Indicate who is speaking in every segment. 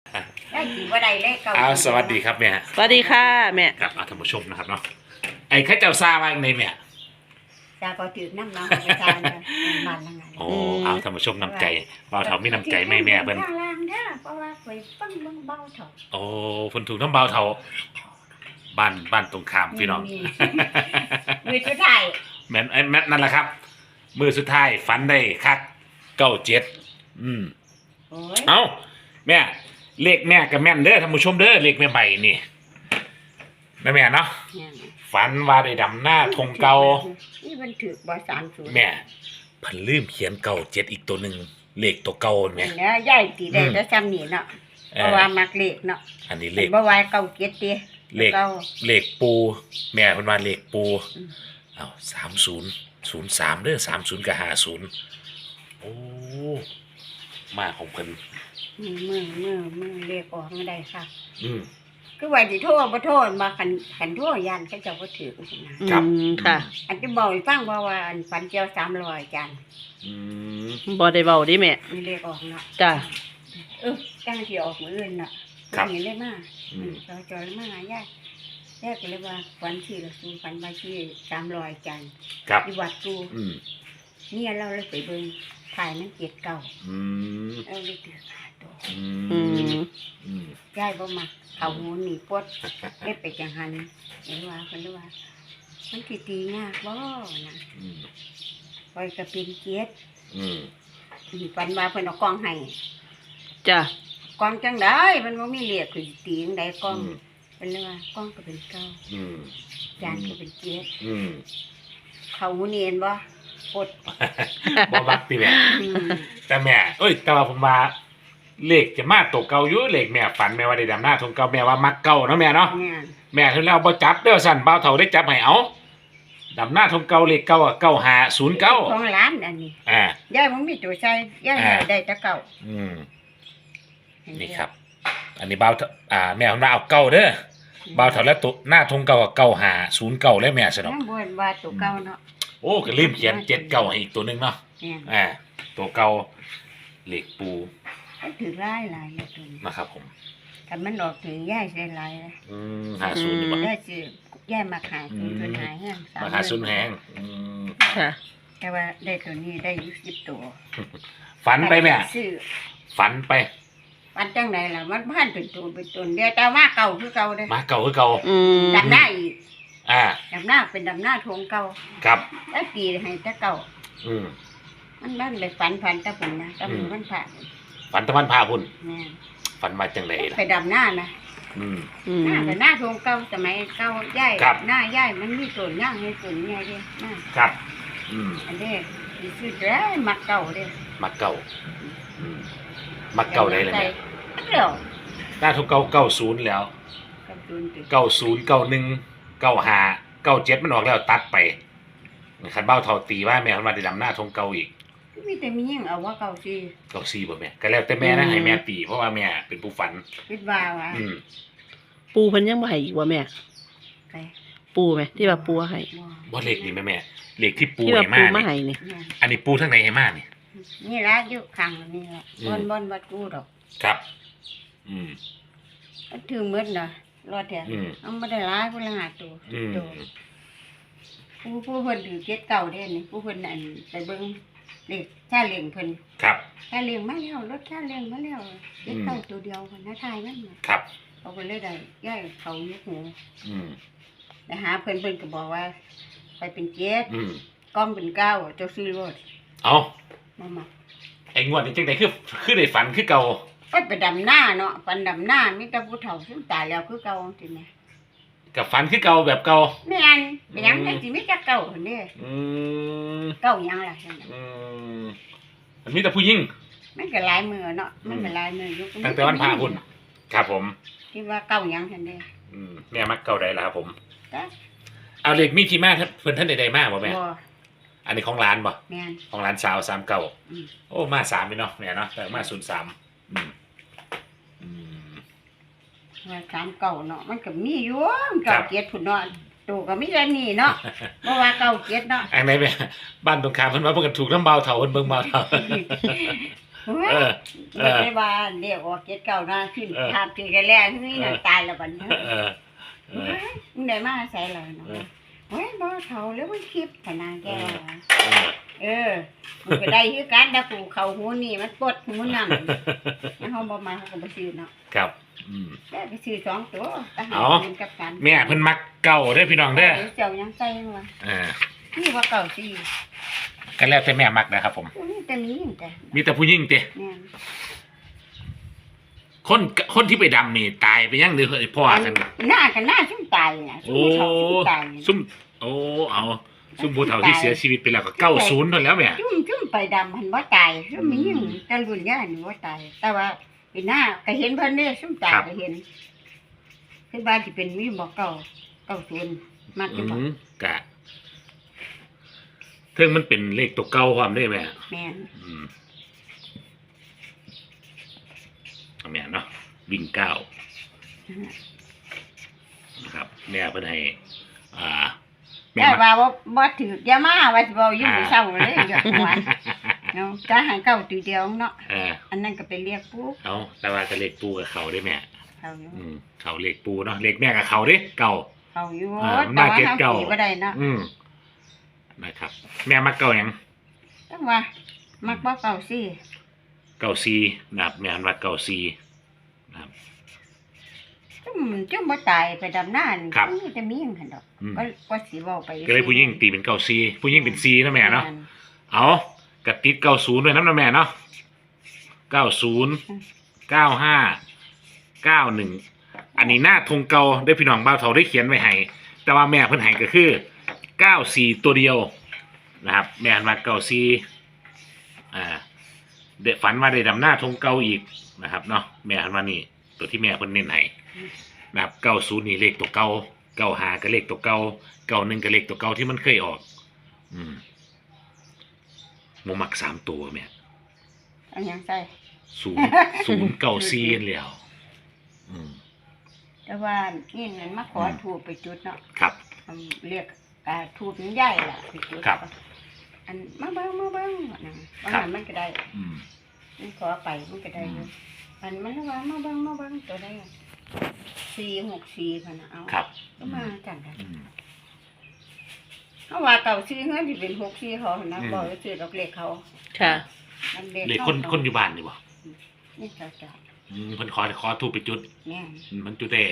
Speaker 1: ได้กี่ว่าใดเลขเก่า
Speaker 2: สวัสดีครับแม่
Speaker 3: สวัสดีค่ะแม่
Speaker 2: ครับท่านผู้ชมนะครับเนาะไอ้ข้าเจ้าซาว่าในแม่
Speaker 1: จาก็ถือน้ำน้องประจานมันละไง
Speaker 2: โอ้ท่านผู้ชมน้ำใจเบาเถามีน้ำใจแม่เพิ่น
Speaker 1: ข้างล่างเด้อเพราะว่าเคยปั้งเบาเถา
Speaker 2: โอ้เพิ่นถูกน้ำเบาเถาบ้านตรงข้ามพี่น้อง
Speaker 1: มือชุดไทย
Speaker 2: แม่นั่นแหละครับมือสุดท้ายฝันได้คัก97
Speaker 1: โอ้ย
Speaker 2: เอ้าแม่เลขแม่กับแม่นเด้อท่านผู้ชมเด้อเลขแม่ใบนี่แม่เนาะฝันว่าได้ดำหน้าธงเก่า
Speaker 1: นี่มันถือบ่30
Speaker 2: แม่เพิ่นลืมเขียน97อีกตัวหนึ่งเลขตัวเก่าแม่
Speaker 1: เนี่ยใหญ่ตีได้แต่ซ้ำนี่เนาะเพราะว่ามักเลขเนาะ
Speaker 2: อันนี้เลข
Speaker 1: บ่ว่าเก่าเกียรติ
Speaker 2: เลขปูแม่เพิ่นว่าเลขปูเอา3003เด้อ30กับ50โอ้มาของเพิ่น
Speaker 1: มือเลขออกไม่ได้ค่ะ
Speaker 2: อืม
Speaker 1: คือว่าสิโทษบ่โทษมาคันโทษยันเขาเจ้าบ่ถือจังนะ
Speaker 2: ครับ
Speaker 3: ค่ะ
Speaker 1: อันที่บอกให้ฟังว่าอันฝันเจียว300จัน
Speaker 2: อืม
Speaker 3: บ่ได้เบาดิแม่
Speaker 1: มีเลขออกเนาะ
Speaker 3: จ้ะ
Speaker 1: ตั้งที่ออกมื้ออื่นน่ะเห็นได้มาจอยมาหายายก็เลยว่าฝันที่ละสูฝันว่าที่300จัน
Speaker 2: ครับ
Speaker 1: ที่วัดกู
Speaker 2: อืม
Speaker 1: เนี่ยเราเลยไปเบิ่งถ่ายมันเกียรติเก่า
Speaker 2: อืม
Speaker 1: เอาเลยถือขาตัว
Speaker 2: อื
Speaker 3: อื
Speaker 2: ม
Speaker 3: ม
Speaker 2: อืม
Speaker 1: ยายบ่มักเขาหูหนีปวดได้ไปจังหันเห็นว่าเพิ่นเลยว่ามันสิตียากบ่นะ
Speaker 2: อืม
Speaker 1: ปล่อยก็เป็นเกียรติ
Speaker 2: อืม
Speaker 1: ฝันว่าเพิ่นเอากล้องให้
Speaker 3: จ้ะ
Speaker 1: กล้องจังได๋มันบ่มีเหลียกคือตีจังได๋กล้องเพิ่นเลยว่ากล้องก็เป็นเก่า
Speaker 2: อืม
Speaker 1: จานก็เป็นเกียรติ
Speaker 2: อืม
Speaker 1: เขาหูเนียนบ่ปด
Speaker 2: บ่มักติแม่
Speaker 1: อืม
Speaker 2: แต่แม่แต่ว่าผมว่าเลขจะมาตกเก่าอยู่เลขแม่ฝันแม่ว่าได้ดำหน้าทงเก่าแม่ว่ามักเก่าเนาะแม่เนาะ
Speaker 1: เนี่ย
Speaker 2: แม่ถึงแล้วบ่จับเด้อสั่นบ่าวเฒ่าได้จับให้เอาดำหน้าทงเก่าเลขเก่าอะ9509
Speaker 1: ของร้านอันนี้
Speaker 2: อ่าย
Speaker 1: ายบ่มีตัวใส่ยายได้แต่เก่า
Speaker 2: อืมนี่ครับ อันนี้บ่าวเฒ่าแม่ผมว่าเอาเก่าเด้อบ่าวเฒ่าแล้วตัวหน้าทงเก่าอะ9509แล้วแม่ซะเนาะ
Speaker 1: น้ำบ่นว่าตัวเก่าเนาะ
Speaker 2: โอ้ก็ลืมเขียน79ให้อีกตัวหนึงเนาะ
Speaker 1: เนี่ย
Speaker 2: ตัวเก่าเลขปู
Speaker 1: มันถือหลายอยู่ตัวนี้
Speaker 2: นะครับผม
Speaker 1: ถ้ามันออกถึงยายใส่หลายเลย
Speaker 2: 50ดีกว่า
Speaker 1: ได้ซื้อยายมาขายคือเพิ่นหายแห้ง
Speaker 2: มาหาซุนแฮง
Speaker 3: ค่ะ
Speaker 1: แต่ว่าได้ตัวนี้ได้อยู่10ตัว
Speaker 2: ฝันไปแม่
Speaker 1: ซื้อ
Speaker 2: ฝันไป
Speaker 1: มันจังไดล่ะมันพันเป็นตัวเดียวแต่ว่าเก่าคือเก่าเด้
Speaker 2: มาเก่าคือเก่า
Speaker 3: อืม
Speaker 1: ดำหน้าอีก
Speaker 2: อ่า
Speaker 1: ดำหน้าเป็นดำหน้าทงเก่า
Speaker 2: ครับ
Speaker 1: แล้วปีให้แต่เก่า
Speaker 2: อืม
Speaker 1: มันเลยฝันตะปุ่นนะตะปุ่นมันผ่าน
Speaker 2: ฝันตะวันพาพุ่น
Speaker 1: แม่น
Speaker 2: ฝันมาจังไดล่ะ
Speaker 1: ไปดำหน้านะ
Speaker 2: อืม
Speaker 3: อื
Speaker 1: หน้าม แต่หน้าทงเก่าสมัยเก่าย่าย
Speaker 2: ครับ
Speaker 1: หน้าย่ายมันมีส่วนย่างมีส่วนใหญ่เด้หน้า
Speaker 2: ครับ อืม
Speaker 1: อันนี้คือได้มักเก่าเด้
Speaker 2: มาเก่าอืมมาเก่าได้เลยแม่
Speaker 1: เดี๋ยว
Speaker 2: หน้าทุก90แล้ว
Speaker 1: กับตุนติด
Speaker 2: 90 91 95 97มันออกแล้วตัดไปคันเบ้าเท่าตีว่าแม่เพิ่นมาได้ดำหน้าทงเก่าอีก
Speaker 1: มีแต่มียิ่งเอาว่าเก่าสิ
Speaker 2: 94บ่แม่ก็แล้วแต่แม่นะให้แม่ตีเพราะว่าแม่เป็นผู้ฝัน
Speaker 1: คิดว่าว่า
Speaker 2: อืม
Speaker 3: ปูเพิ่นยังบ่ให้อีกว่าแม่
Speaker 1: ไป
Speaker 3: ปูไหมที่ว่าปูให้
Speaker 2: บ่เลขนี่แม่เลขที่ปู
Speaker 3: ที่ว่า
Speaker 2: ให้
Speaker 3: ปู
Speaker 2: มา
Speaker 3: มา
Speaker 2: นี่
Speaker 3: ให้นี่
Speaker 1: เนี่ย
Speaker 2: อันนี้ปูทางไหนให้มานี่
Speaker 1: นี่ละอยู่ข้างนี่ละ
Speaker 2: อื
Speaker 1: บ
Speaker 2: ม
Speaker 1: นวัดกูดอก
Speaker 2: ครับ อืม
Speaker 1: มันถือมืดเนาะรอดแท้
Speaker 2: อืม
Speaker 1: เอาไม่ได้ร้ายผู้ละหาตัว
Speaker 2: อืม
Speaker 1: ตัวผู้เพิ่นถือเก็ดเก่าเด้นี่ผู้เพิ่นอันไปเบิ่งเลขชาเลี้ยงเพิ่น
Speaker 2: ครับ
Speaker 1: ชาเลี้ยงมาแล้วรถชาเลี้ยงมาแล้วเก็ดเก่าตัวเดียวเพิ่นน่ะทายมันน่ะ
Speaker 2: ครับ
Speaker 1: เขาก็เลยได้ย้ายเขายกหู
Speaker 2: อืม
Speaker 1: ไปหาเพิ่นก็บอกว่า ไปเป็นเจ็ด
Speaker 2: อืม
Speaker 1: กล้องเป็นเก้าเจ้าซื้อรถ
Speaker 2: เอา
Speaker 1: มามา
Speaker 2: ไอ้งวดนี้จังไดคือได้ฝันคือเก่า
Speaker 1: ไปดำหน้าเนาะฟันดำหน้ามีแต่ผู้เฒ่าซึ่งตายแล้วคือเก่าจริงไหม
Speaker 2: กับฝันคือเก่าแบบเก่า
Speaker 1: แม่นเป็นหยังได้สิมีแต่เก่าหั่นเด้
Speaker 2: อืม
Speaker 1: เก่าหยังล่ะซั่นน่ะ
Speaker 2: อืมมันมีแต่ผู้หญิง
Speaker 1: มันก็หลายมือเนาะมันก็หลายมืออยู่
Speaker 2: ตั้งแต่วันพระพุ่นครับผม
Speaker 1: คิดว่าเก่าหยังซั่นเด้
Speaker 2: แม่มักเก่าใดล่ะครับผม
Speaker 1: จ้ะ
Speaker 2: เอาเลขมีที่มาเพิ่นท่านใดๆมาบ่แม่
Speaker 1: บ่
Speaker 2: อันนี้ของร้านบ่
Speaker 1: แม่น
Speaker 2: ของร้านสาว39
Speaker 1: อืม
Speaker 2: โอ้มา3นี่เนาะแม่เนาะแต่มา03อืม
Speaker 1: ว่าถามเก่าเนาะมันก็มีอยู่มัน
Speaker 2: ครั
Speaker 1: เก่า
Speaker 2: บ
Speaker 1: เกียรติพุ่นเนาะตัวก็มีแต่นี่เนาะบ่ว่าเก่าเกียรติเนาะ
Speaker 2: อันไหนแม่บ้านตรงข้ามเพิ่นว่าเพิ่นก็ถูกน้ำเบาเฒ่าเพิ่นเบิ่งเบาเฒ่าเออ
Speaker 1: ไม่ได้ว่าเรียกว่าเก็ดเก่าหน้าขึ้นภาพที่แรกที่นี่น่ะตายแล้วบัดนี้
Speaker 2: เออเออ
Speaker 1: มึงได้มาใส่เลยเนาะเฮ้ยบ่เฒ่าแล้วมันคลิปขนาดแกว่า
Speaker 2: เออ
Speaker 1: มันก็ได้คือกันแต่กูเข้าหูนี่มันปวดหูนั่นแล้วเฮาบ่มาเฮาก็บ่ซื้อเนาะ
Speaker 2: ครับ
Speaker 1: ได้ไปซื้อ2ตัวแต่หาเงินกับกัน
Speaker 2: แม่เพิ่นมักเก่าเด้อพี่น้องเด้อ
Speaker 1: เจ้ายังใส่ว่า นี่ว่าเก่าสิ
Speaker 2: ก็แล้วแต่แม่มักนะครับผม
Speaker 1: นี่แต่นี้แต่
Speaker 2: มีแต่ผู้หญิงเตะ
Speaker 1: แม่น
Speaker 2: คนที่ไปดำนี่ตายไปยังหรือพ่อกัน
Speaker 1: หน้ากันหน้าซุ่มตายน่ะซุ่
Speaker 2: โอ้
Speaker 1: มเฒ่าซุ่มตาย
Speaker 2: ซุ่มโอ้เอาซุ่มผู้เฒ่าที่เสียชีวิตไปแล้วก็90เท่าแล้วแม่
Speaker 1: ซุ่มไปดำมันบ่ตายซุ่มมีหยังแต่รุ่นย่านี่บ่ตายแต่ว่าเป็นหน้าก็เห็นเพิ่นเด้ซุ่มตายก็เห็นคือว่าสิเป็นมีบ่เก่า90มัก
Speaker 2: อื
Speaker 1: จะบ่
Speaker 2: มกะเทิงมันเป็นเลขตัวเก่าความได้แม่
Speaker 1: แม่น
Speaker 2: เอาแม่เนาะวิ่งเก้านะครับแม่เพิ่นให้แม่
Speaker 1: แต่
Speaker 2: มา
Speaker 1: ว่าบ่ถืออย่ามาว่าสิเว้าอยู่มื้อเช้าเลยอย่าว่าเนาะจะหาเก่าตีเดียวเนาะอันนั้นก็ไปเรียกปุ๊บ
Speaker 2: เอาแต่ว่าจะเลขปูกับเขาได้แม่
Speaker 1: เขาอยู่
Speaker 2: เขาเลขปูเนาะเลขแม่กับเขาเด้เก่า
Speaker 1: เขาอยู่
Speaker 2: มา
Speaker 1: แต่ว่า
Speaker 2: เก็ต
Speaker 1: เฮา
Speaker 2: เก่า
Speaker 1: ตีบ่ได้เนาะ
Speaker 2: นะครับ แม่มักเก่าหยัง
Speaker 1: จังว่ามักบ่เก่าสิ
Speaker 2: เก่าซีนะครับแม่หันว่าเก่าซีนะครับ
Speaker 1: จุ่มบ่ตายไปดำน้านี่
Speaker 2: ครับ
Speaker 1: มีแต่มีหยังหั่นดอกก็สิเว้าไป
Speaker 2: ก็เลยผู้หญิงตีเป็นเก่าซีผู้หญิงเป็นซีนะแม่เนาะเอากระติด90ด้วยน้ำนะแม่เนาะ90 95 91อันนี้หน้าธงเก่าได้พี่น้องบ่าวเฒ่าได้เขียนไว้ให้แต่ว่าแม่เพิ่นให้ก็คือ94ตัวเดียวนะครับแม่หันว่าเก่าซีเด็กฝันว่าได้ดำหน้าธงเก่าอีกนะครับเนาะแม่หันว่านี่ตัวที่แม่เพิ่นเน้นให้นะครับ90นี่เลขตัวเก่า95ก็เลขตัวเก่า91ก็เลขตัวเก่าที่มันเคยออกบ่มัก3ตัวแม่
Speaker 1: อันหยังใส่
Speaker 2: 094แล้ว
Speaker 1: แต่ว่านี่นั่นมาขอถูกไปจุดเนาะ
Speaker 2: ครับ
Speaker 1: เรียกถูกมันใหญ่ล่ะไปจุด
Speaker 2: ครับ
Speaker 1: อันมาเบิ่งว่างั้นมันก็ได้มันขอไปมันก็ได้อยู่อันมันว่ามาเบิ่งตัวได้464คั่นน่ะเอา
Speaker 2: ครับ
Speaker 1: ก็มาจังได๋เฮาว่าเก่าซื้อเฮือนสิเป็น64เขาหั่นนะบ่ได้ซื้อดอกเลขเขา
Speaker 3: ค่ะ
Speaker 1: มัน
Speaker 2: เลขคนอยู่บ้านนี่บ่
Speaker 1: นี่จ้ะ
Speaker 2: เพิ่นขอถูกไปจุด
Speaker 1: แม่น
Speaker 2: มันจุดได้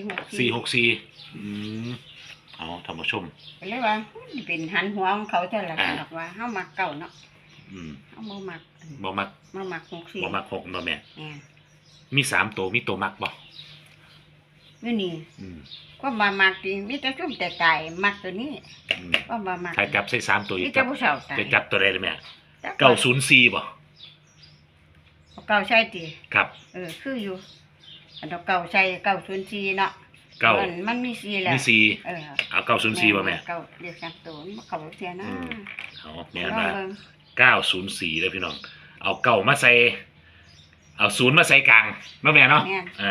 Speaker 2: 464เอาท่านผู้ชม
Speaker 1: ก็เลยว่ามันเป็นหันหัวของเขาเท่านั้นดอกว่าเฮามักเก่าเนาะเฮาบ่มัก
Speaker 2: บ่มัก
Speaker 1: มามัก64
Speaker 2: บ่มัก6เนาะแม่
Speaker 1: แม่น
Speaker 2: มี3ตัวมีตัวมักบ่
Speaker 1: นี่นี่ก็มามักจริงมีแต่ซุ่มแต่ตายมักตัวนี้ก็มามัก
Speaker 2: ถ้าจับใส่3ตัวอี
Speaker 1: มี
Speaker 2: ก
Speaker 1: แต่ผู้สาวตาย
Speaker 2: จะจับตัวใดได้แม่
Speaker 1: เก่า
Speaker 2: 904บ่
Speaker 1: เก่าใช่ติ
Speaker 2: ครับ
Speaker 1: คืออยู่อันดอกเก่าใช่904เนาะ มันมี4แล้ว
Speaker 2: มี4เอา904บ่แม่
Speaker 1: เก่าเรียก3ตัวมันเก่าเสียนะ
Speaker 2: เอาแม่มา904เด้อพี่น้องเอาเก่ามาใส่เอา0มาใส่กลางเนาะแม่เนาะ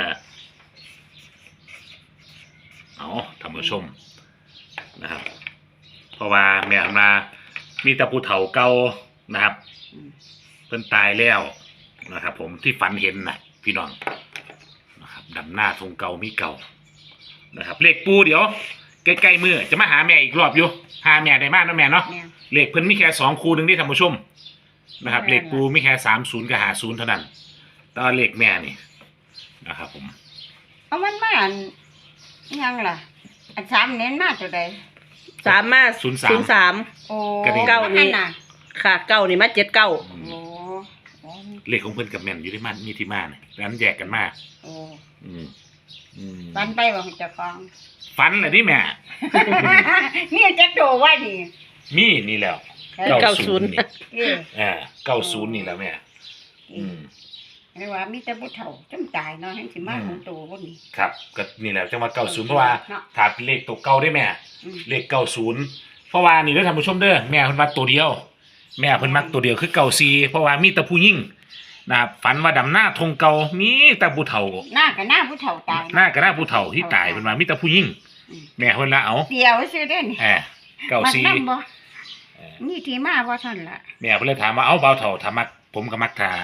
Speaker 2: เอาท่านผู้ชมนะครับเพราะว่าแม่มามีตะปูเฒ่าเก่านะครับเพิ่นตายแล้วนะครับผมที่ฝันเห็นนะพี่น้องนะครับดำหน้าทงเก่ามีเก่านะครับเลขปูเดี๋ยวใกล้ๆมือจะมาหาแม่อีกรอบอยู่หาแม่ได้มากนะแม่เนาะเลขเพิ่นมีแค่2คู่นึงที่ท่านผู้ชมนะครับเลขปูมีแค่30กับ50เท่านั้นแต่เลขแม่นี่นะครับผม
Speaker 1: เอามันมาอันยังล่ะอัน3เน้นมาตัวใด
Speaker 3: 3มา03
Speaker 1: โอ้
Speaker 3: เก้านี่
Speaker 1: น่ะ
Speaker 3: ค่ะ9นี่มา79
Speaker 1: โอ้
Speaker 2: เลขของเพิ่นกับแม่นอยู่ที่มันมีที่มาเนี่ยแล้วนั้นแยกกันมา
Speaker 1: โอ้
Speaker 2: ฟั
Speaker 1: ปันไปว่าเจะฟัง
Speaker 2: ฟันเลยที่แม่
Speaker 1: นี่จะโตว่าดิ
Speaker 2: มีนี่แล้ว
Speaker 3: 90
Speaker 2: นี่
Speaker 1: เอ้
Speaker 2: 90นี่แล้วแม่
Speaker 1: เรียกว่ามีแต่ผู้เฒ่าจำตายเนาะให้สิมาของโตบ่นี่
Speaker 2: ครับก็นี่แหละจังว่า90เพราะว่าถ้าเป็นเลขตัวเก่าได้แม่เลข90เพราะว่านี่เด้อท่านผู้ชมเด้อแม่เพิ่นมักตัวเดียวแม่เพิ่นมักตัวเดียวคือ94เพราะว่ามีแต่ผู้หญิงนะครับฝันว่าดำหน้าทงเก่ามีแต่ผู้เฒ่า
Speaker 1: หน้ากับหน้าผู้เฒ่าตาย
Speaker 2: หน้าก็หน้าผู้เฒ่าที่ตายเพิ่นว่ามีแต่ผู้หญิงแม่เพิ่นละเอา
Speaker 1: เดียวซื่อเด้นี่มัก
Speaker 2: 94
Speaker 1: นำบ่นี่ที่มาบ่ท่านล่ะ
Speaker 2: แม่เพิ่นเลยถามว่าเอาเบาเฒ่าถ้ามักผมก็มักถ้า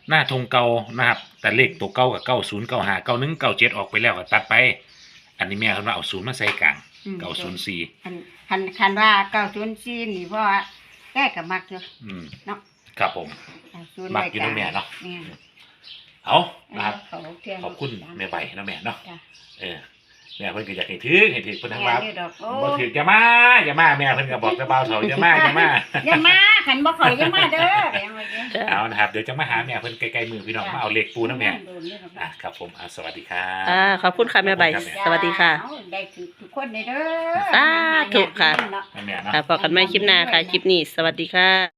Speaker 2: หน้าธงเก่านะครับ แต่เลขตัวเก่ากับ90 95 91 97ออกไปแล้วก็ตัดไป อันนี้แม่เพิ่นว่าเอาศูนย์มาใส่กลาง904
Speaker 1: คันว่า904นี่เพราะว่าแก้ก็มักอยู่ เนาะ
Speaker 2: ครับผม
Speaker 1: 90
Speaker 2: มักอยู่เนาะแม่เนาะ
Speaker 1: แม่
Speaker 2: เอานะครับ
Speaker 1: ข
Speaker 2: ขอบคุณแม่ใบเนาะแม่เนาะ
Speaker 1: จ้ะ
Speaker 2: แม่เพิ่นก็อยากให้ถือเพิ่นทั้งว่า
Speaker 1: แม่นี่ดอกโอ้
Speaker 2: บ่ถืออย่ามาแม่เพิ่นก็บอกแต่บ่าวเฒ่าอย่ามา
Speaker 1: อย่ามาคันบ่เข้าอย่ามาเด้ออย่างว่าเด้อ
Speaker 2: เอานะครับเดี๋ยวจะมาหาแม่เพิ่นใกล้ๆมือพี่น้องมาเอาเลขปูนะแม่ครับผมสวัสดีครับ
Speaker 3: ขอบคุณค่ะแม่ใบ สวัสดีค่ะ
Speaker 1: ได้ทุกคนเด้อ
Speaker 3: สาธุค่ะ
Speaker 2: แม่เนาะ
Speaker 3: พอกันใหม่คลิปหน้าค่ะ คลิปนี้ สวัสดีค่ะ